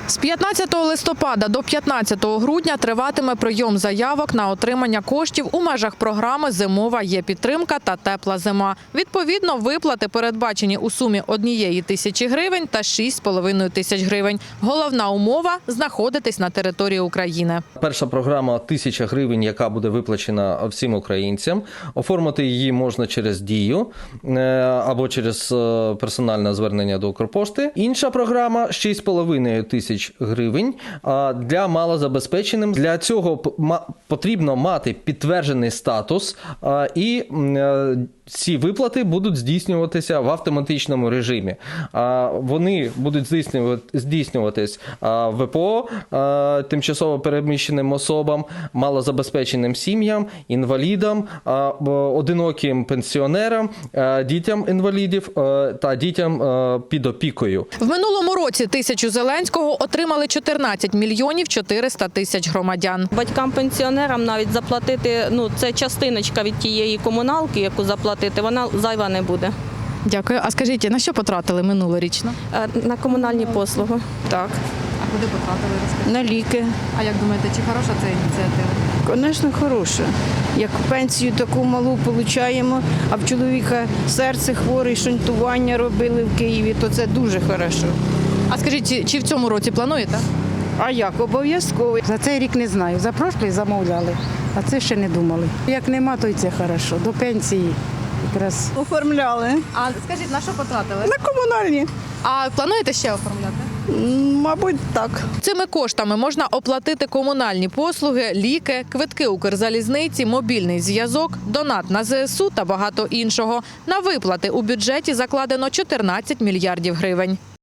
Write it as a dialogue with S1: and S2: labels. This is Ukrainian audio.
S1: З 15 листопада до 15 грудня триватиме прийом заявок на отримання коштів у межах програми «Зимова є-підтримка» та «Тепла зима». Відповідно, виплати передбачені у сумі 1 тисячі гривень та 6,5 тисяч гривень. Головна умова – знаходитись на території України.
S2: Перша програма – 1000 гривень, яка буде виплачена всім українцям. Оформити її можна через Дію або через персональне звернення до Укрпошти. Інша програма – 6,5 тисяч гривень для малозабезпеченим. Для цього потрібно мати підтверджений статус, і ці виплати будуть здійснюватися в автоматичному режимі. Вони будуть здійснюватись ВПО, тимчасово переміщеним особам, малозабезпеченим сім'ям, інвалідам, одиноким пенсіонерам, дітям інвалідів та дітям під опікою.
S1: В минулому році 1000 Зеленського отримали 14 мільйонів 400 тисяч громадян.
S3: Батькам-пенсіонерам навіть заплатити, це частиночка від тієї комуналки, яку заплатити, вона зайва не буде.
S1: Дякую. А скажіть, на що потратили минулорічно?
S3: На комунальні послуги. Так.
S1: А куди потратили? Розкажіть.
S4: На ліки.
S1: А як думаєте, чи хороша ця ініціатива?
S4: Звісно, хороша. Як пенсію таку малу отримуємо, а в чоловіка серце хворе, шунтування робили в Києві, то це дуже хорошо.
S1: А скажіть, чи в цьому році плануєте?
S4: А як? Обов'язково.
S5: За цей рік не знаю. За прошлий замовляли, а це ще не думали. Як нема, то й це хорошо. До пенсії якраз.
S4: Оформляли.
S1: А скажіть, на що потратили?
S4: На комунальні.
S1: А плануєте ще оформляти?
S4: Мабуть, так.
S1: Цими коштами можна оплатити комунальні послуги, ліки, квитки Укрзалізниці, мобільний зв'язок, донат на ЗСУ та багато іншого. На виплати у бюджеті закладено 14 мільярдів гривень.